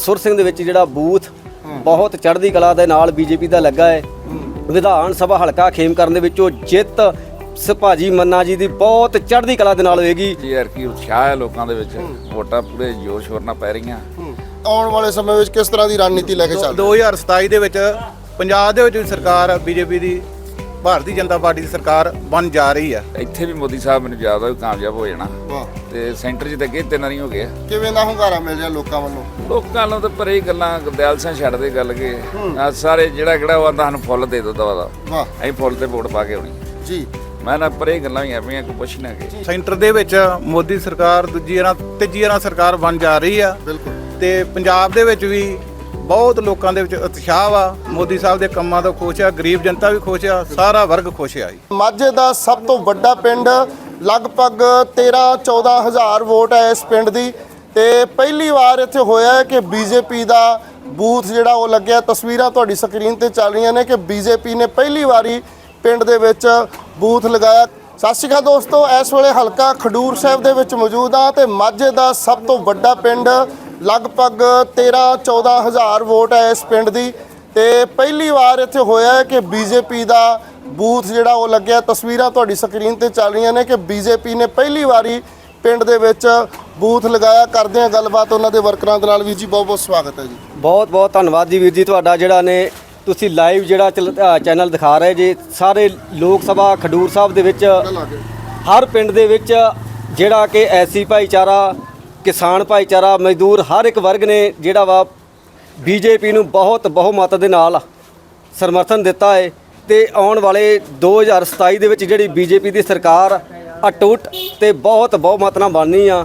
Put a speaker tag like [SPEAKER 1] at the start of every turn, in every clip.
[SPEAKER 1] ਸੁਰ ਸਿੰਘ ਦੇ ਵਿੱਚ ਜਿਹੜਾ ਬੂਥ ਬਹੁਤ ਚੜ੍ਹਦੀ ਕਲਾ ਦੇ ਨਾਲ ਬੀਜੇਪੀ ਦਾ ਲੱਗਾ ਹੈ। ਵਿਧਾਨ ਸਭਾ ਹਲਕਾ ਖੇਮਕਰਨ ਦੇ ਵਿੱਚੋਂ ਜਿੱਤ ਭਾਜੀ ਮੰਨਾ ਜੀ ਦੀ ਬਹੁਤ ਚੜ੍ਹਦੀ ਕਲਾ ਦੇ ਨਾਲ ਹੋਏਗੀ।
[SPEAKER 2] ਯਾਰ ਕੀ ਉਤਸ਼ਾਹ ਹੈ ਲੋਕਾਂ ਦੇ ਵਿੱਚ, ਵੋਟਾਂ ਪੂਰੇ ਜ਼ੋਰ ਸ਼ੋਰ ਨਾਲ ਪੈ ਰਹੀਆਂ।
[SPEAKER 3] ਆਉਣ ਵਾਲੇ ਸਮੇਂ ਵਿੱਚ ਕਿਸ ਤਰ੍ਹਾਂ ਦੀ ਰਣਨੀਤੀ ਲੈ ਕੇ ਚੱਲ
[SPEAKER 4] 2027 ਦੇ ਵਿੱਚ ਪੰਜਾਬ ਦੇ ਵਿੱਚ ਵੀ ਸਰਕਾਰ ਬੀਜੇਪੀ ਦੀ ਭਾਰਤੀ ਜਨਤਾ ਪਾਰਟੀ ਦੀ ਸਰਕਾਰ ਬਣ ਜਾ ਰਹੀ ਆ।
[SPEAKER 2] ਇੱਥੇ ਵੀ ਮੋਦੀ ਸਾਹਿਬ ਮੈਨੂੰ ਯਾਦ ਆ ਕਾਮਯਾਬ ਹੋ ਜਾਣਾ
[SPEAKER 3] ਵਾਹ,
[SPEAKER 2] ਤੇ ਸੈਂਟਰ 'ਚ ਤਾਂ ਅੱਗੇ 3 ਵਾਰੀ ਹੋ ਗਿਆ।
[SPEAKER 3] ਕਿਵੇਂ ਦਾ ਹੁੰਗਾਰਾ ਮਿਲ ਰਿਹਾ ਲੋਕਾਂ ਵੱਲੋਂ?
[SPEAKER 2] ਲੋਕਾਂ ਨੂੰ ਤਾਂ ਪਰ ਇਹ ਗੱਲਾਂ ਗੁਰਦਿਆਲ ਸਿੰਘ ਛੱਡਦੇ ਗੱਲ ਕੇ ਸਾਰੇ ਜਿਹੜਾ ਉਹ ਆਂਦਾ ਸਾਨੂੰ ਫੁੱਲ ਦੇ ਦੋ ਦਵਾ ਦਾ,
[SPEAKER 3] ਵਾਹ
[SPEAKER 2] ਅਸੀਂ ਫੁੱਲ ਤੇ ਵੋਟ ਪਾ ਕੇ ਆਉਣੀ
[SPEAKER 3] ਜੀ।
[SPEAKER 2] ਮੈਂ ਨਾ ਪਰ ਇਹ ਗੱਲਾਂ ਹੀ ਆਪਣੀਆਂ ਕੋਈ ਪੁੱਛ ਨਾ ਕੇ
[SPEAKER 4] ਸੈਂਟਰ ਦੇ ਵਿੱਚ ਮੋਦੀ ਸਰਕਾਰ ਤੀਜੀ ਵਾਰ ਸਰਕਾਰ ਬਣ ਜਾ ਰਹੀ ਆ
[SPEAKER 3] ਬਿਲਕੁਲ।
[SPEAKER 4] ਤੇ ਪੰਜਾਬ ਦੇ ਵਿੱਚ ਵੀ ਬਹੁਤ ਲੋਕਾਂ ਦੇ ਵਿੱਚ ਉਤਸ਼ਾਹ ਵਾ। ਮੋਦੀ ਸਾਹਿਬ ਦੇ ਕੰਮਾਂ ਤੋਂ ਖੁਸ਼ ਆ, ਗਰੀਬ ਜਨਤਾ ਵੀ ਖੁਸ਼ ਆ, ਸਾਰਾ ਵਰਗ ਖੁਸ਼ ਆ ਜੀ।
[SPEAKER 3] ਮਾਝੇ ਦਾ ਸਭ ਤੋਂ ਵੱਡਾ ਪਿੰਡ, ਲਗਭਗ 13-14 ਹਜ਼ਾਰ ਵੋਟ ਹੈ ਇਸ ਪਿੰਡ ਦੀ ਤੇ ਪਹਿਲੀ ਵਾਰ ਇੱਥੇ ਹੋਇਆ ਹੈ ਕਿ ਬੀਜੇਪੀ ਦਾ ਬੂਥ ਜਿਹੜਾ ਉਹ ਲੱਗਿਆ। ਤਸਵੀਰਾਂ ਤੁਹਾਡੀ ਸਕਰੀਨ ਤੇ ਚੱਲ ਰਹੀਆਂ ਨੇ ਕਿ ਬੀਜੇਪੀ ਨੇ ਪਹਿਲੀ ਵਾਰੀ ਪਿੰਡ ਦੇ ਵਿੱਚ ਬੂਥ ਲਗਾਇਆ। ਸਤਿ ਸ਼੍ਰੀ ਅਕਾਲ ਦੋਸਤੋ, ਇਸ ਵੇਲੇ ਹਲਕਾ ਖਡੂਰ ਸਾਹਿਬ ਦੇ ਵਿੱਚ ਮੌਜੂਦ ਹਾਂ ਤੇ ਮਾਝੇ ਦਾ ਸਭ ਤੋਂ ਵੱਡਾ ਪਿੰਡ, ਲਗਭਗ 13-14 ਹਜ਼ਾਰ ਵੋਟ ਹੈ ਇਸ ਪਿੰਡ ਦੀ ਤੇ ਪਹਿਲੀ ਵਾਰ ਇੱਥੇ ਹੋਇਆ ਹੈ ਕਿ ਬੀਜੇਪੀ ਦਾ ਬੂਥ ਜਿਹੜਾ ਉਹ ਲੱਗਿਆ। ਤਸਵੀਰਾਂ ਤੁਹਾਡੀ ਸਕਰੀਨ ਤੇ ਚੱਲ ਰਹੀਆਂ ਨੇ ਕਿ ਬੀਜੇਪੀ ਨੇ ਪਹਿਲੀ ਵਾਰੀ ਪਿੰਡ ਦੇ ਵਿੱਚ ਬੂਥ ਲਗਾਇਆ। ਕਰਦੇ ਹਾਂ ਗੱਲਬਾਤ ਉਹਨਾਂ ਦੇ ਵਰਕਰਾਂ ਦੇ ਨਾਲ। ਵੀਰ ਜੀ ਬਹੁਤ ਬਹੁਤ ਸਵਾਗਤ ਹੈ ਜੀ।
[SPEAKER 1] ਬਹੁਤ ਬਹੁਤ ਧੰਨਵਾਦ ਜੀ ਵੀਰ ਜੀ ਤੁਹਾਡਾ, ਜਿਹੜਾ ਨੇ ਤੁਸੀਂ ਲਾਈਵ ਜਿਹੜਾ ਚੈਨਲ ਦਿਖਾ ਰਹੇ ਜੀ। ਸਾਰੇ ਲੋਕ ਸਭਾ ਖਡੂਰ ਸਾਹਿਬ ਦੇ ਵਿੱਚ ਹਰ ਪਿੰਡ ਦੇ ਵਿੱਚ ਜਿਹੜਾ ਕਿ ਐਸੀ ਭਾਈਚਾਰਾ, ਕਿਸਾਨ ਭਾਈਚਾਰਾ, ਮਜ਼ਦੂਰ, ਹਰ ਇੱਕ ਵਰਗ ਨੇ ਜਿਹੜਾ ਵਾ ਬੀਜੇਪੀ ਨੂੰ ਬਹੁਤ ਬਹੁਮਤ ਦੇ ਨਾਲ ਸਮਰਥਨ ਦਿੱਤਾ ਹੈ ਤੇ ਆਉਣ ਵਾਲੇ 2027 ਦੇ ਵਿੱਚ ਜਿਹੜੀ ਬੀਜੇਪੀ ਦੀ ਸਰਕਾਰ ਅਟੁੱਟ ਤੇ ਬਹੁਤ ਬਹੁਮਤ ਨਾਲ ਬਣਨੀ ਆ।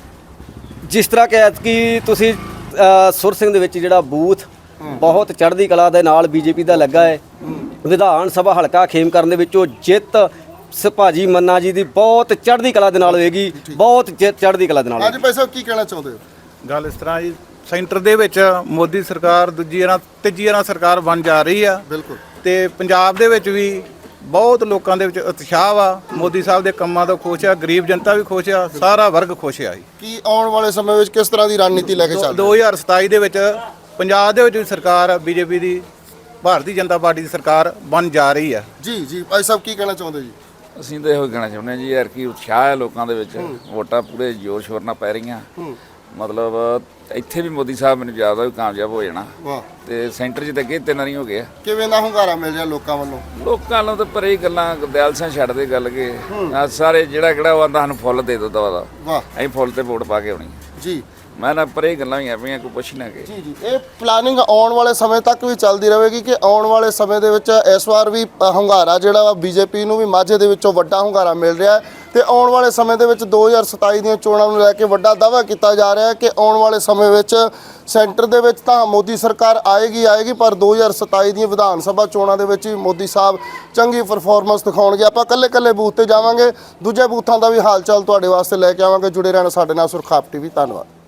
[SPEAKER 1] ਜਿਸ ਤਰ੍ਹਾਂ ਕਿ ਐਤਕੀ ਤੁਸੀਂ ਸੁਰ ਸਿੰਘ ਦੇ ਵਿੱਚ ਜਿਹੜਾ ਬੂਥ ਬਹੁਤ ਚੜ੍ਹਦੀ ਕਲਾ ਦੇ ਨਾਲ ਬੀਜੇਪੀ ਦਾ ਲੱਗਾ ਹੈ। ਵਿਧਾਨ ਸਭਾ ਹਲਕਾ ਖੇਮਕਰਨ ਦੇ ਵਿੱਚੋਂ ਜਿੱਤ ਭਾਜੀ ਮੰਨਾ ਜੀ ਦੀ ਬਹੁਤ ਚੜ੍ਹਦੀ ਕਲਾ ਦੇ ਨਾਲ ਹੋਏਗੀ, ਬਹੁਤ ਚੜ੍ਹਦੀ ਕਲਾ ਦੇ ਨਾਲ।
[SPEAKER 3] ਅੱਜ ਭਾਈ ਸਾਹਿਬ ਕੀ ਕਹਿਣਾ ਚਾਹੁੰਦੇ ਹੋ?
[SPEAKER 4] ਗੱਲ ਇਸ ਤਰ੍ਹਾਂ ਜੀ, ਸੈਂਟਰ ਦੇ ਵਿੱਚ ਮੋਦੀ ਸਰਕਾਰ ਤੀਜੀ ਵਾਰ ਸਰਕਾਰ ਬਣ ਜਾ ਰਹੀ ਆ
[SPEAKER 3] ਬਿਲਕੁਲ।
[SPEAKER 4] ਤੇ ਪੰਜਾਬ ਦੇ ਵਿੱਚ ਵੀ ਬਹੁਤ ਲੋਕਾਂ ਦੇ ਵਿੱਚ ਉਤਸ਼ਾਹ ਵਾ। ਮੋਦੀ ਸਾਹਿਬ ਦੇ ਕੰਮਾਂ ਤੋਂ ਖੁਸ਼ ਆ, ਗਰੀਬ ਜਨਤਾ ਵੀ ਖੁਸ਼ ਆ, ਸਾਰਾ ਵਰਗ ਖੁਸ਼ ਆ ਜੀ।
[SPEAKER 3] ਕੀ ਆਉਣ ਵਾਲੇ ਸਮੇਂ ਵਿੱਚ ਕਿਸ ਤਰ੍ਹਾਂ ਦੀ ਰਣਨੀਤੀ ਲੈ ਕੇ ਚੱਲ
[SPEAKER 4] 2027 ਦੇ ਵਿੱਚ ਪੰਜਾਬ ਦੇ ਵਿੱਚ ਵੀ ਸਰਕਾਰ ਬੀਜੇਪੀ ਦੀ ਭਾਰਤੀ ਜਨਤਾ ਪਾਰਟੀ ਦੀ ਸਰਕਾਰ ਬਣ ਜਾ ਰਹੀ ਆ।
[SPEAKER 3] ਜੀ ਜੀ ਭਾਈ ਸਾਹਿਬ ਕੀ ਕਹਿਣਾ ਚਾਹੁੰਦੇ ਜੀ?
[SPEAKER 2] ਅਸੀਂ ਤਾਂ ਇਹੋ ਕਹਿਣਾ ਚਾਹੁੰਦੇ ਹਾਂ ਜੀ, ਯਾਰ ਕੀ ਉਤਸ਼ਾਹ ਹੈ ਲੋਕਾਂ ਦੇ ਵਿੱਚ, ਵੋਟਾਂ ਪੂਰੇ ਜ਼ੋਰ ਸ਼ੋਰ ਨਾਲ ਪੈ ਰਹੀਆਂ। ਮਤਲਬ ਇੱਥੇ ਵੀ ਮੋਦੀ ਸਾਹਿਬ ਮੈਨੂੰ ਯਾਦ ਆ ਕਾਮਯਾਬ ਹੋ ਜਾਣਾ
[SPEAKER 3] ਵਾਹ,
[SPEAKER 2] ਤੇ ਸੈਂਟਰ 'ਚ ਤਾਂ ਅੱਗੇ 3 ਵਾਰੀ ਹੋ ਗਿਆ।
[SPEAKER 3] ਕਿਵੇਂ ਦਾ ਹੁੰਗਾਰਾ ਮਿਲ ਰਿਹਾ ਲੋਕਾਂ ਵੱਲੋਂ?
[SPEAKER 2] ਲੋਕਾਂ ਨੂੰ ਤਾਂ ਪਰ ਇਹ ਗੱਲਾਂ ਗੁਰਦਿਆਲ ਸਿੰਘ ਛੱਡਦੇ ਗੱਲ ਕੇ ਸਾਰੇ ਜਿਹੜਾ ਉਹ ਆਂਦਾ ਸਾਨੂੰ ਫੁੱਲ ਦੇ ਦੋ ਦਵਾ ਦਾ,
[SPEAKER 3] ਵਾਹ
[SPEAKER 2] ਅਸੀਂ ਫੁੱਲ ਤੇ ਵੋਟ ਪਾ ਕੇ ਆਉਣੀ
[SPEAKER 3] ਜੀ
[SPEAKER 2] ਮੈਂ ਨਾ ਪਰ ਇਹ ਗੱਲਾਂ ਹੀ ਆਪਣੀਆਂ ਕੋਈ ਪੁੱਛ ਨਾ ਕੇ
[SPEAKER 3] ਜੀ। ਇਹ ਪਲਾਨਿੰਗ ਆਉਣ ਵਾਲੇ ਸਮੇਂ ਤੱਕ ਵੀ ਚੱਲਦੀ ਰਹੇਗੀ ਕਿ ਆਉਣ ਵਾਲੇ ਸਮੇਂ ਦੇ ਵਿੱਚ ਇਸ ਵਾਰ ਵੀ ਹੁੰਗਾਰਾ ਜਿਹੜਾ ਵਾ ਬੀਜੇਪੀ ਨੂੰ ਵੀ ਮਾਝੇ ਦੇ ਵਿੱਚੋਂ ਵੱਡਾ ਹੁੰਗਾਰਾ ਮਿਲ ਰਿਹਾ ਹੈ ਤੇ ਆਉਣ ਵਾਲੇ ਸਮੇਂ ਦੇ ਵਿੱਚ 2027 ਦੀਆਂ ਚੋਣਾਂ ਨੂੰ ਲੈ ਕੇ ਵੱਡਾ ਦਾਅਵਾ ਕੀਤਾ ਜਾ ਰਿਹਾ ਹੈ ਕਿ ਆਉਣ ਵਾਲੇ ਸਮੇਂ ਵਿੱਚ ਸੈਂਟਰ ਦੇ ਵਿੱਚ ਤਾਂ ਮੋਦੀ ਸਰਕਾਰ ਆਏਗੀ ਪਰ 2027 ਦੀਆਂ ਵਿਧਾਨ ਸਭਾ ਚੋਣਾਂ ਦੇ ਵਿੱਚ ਵੀ ਮੋਦੀ ਸਾਹਿਬ ਚੰਗੀ ਪਰਫਾਰਮੈਂਸ ਦਿਖਾਉਣਗੇ। ਆਪਾਂ ਕੱਲੇ ਬੂਥ ਤੇ ਜਾਵਾਂਗੇ, ਦੂਜੇ ਬੂਥਾਂ ਦਾ ਵੀ ਹਾਲ ਚਾਲ ਤੁਹਾਡੇ ਵਾਸਤੇ ਲੈ ਕੇ ਆਵਾਂਗੇ। ਜੁੜੇ ਰਹਿਣਾ ਸਾਡੇ ਨਾਲ ਸੁਰਖਾਪ ਟੀਵੀ। ਧੰਨਵਾਦ।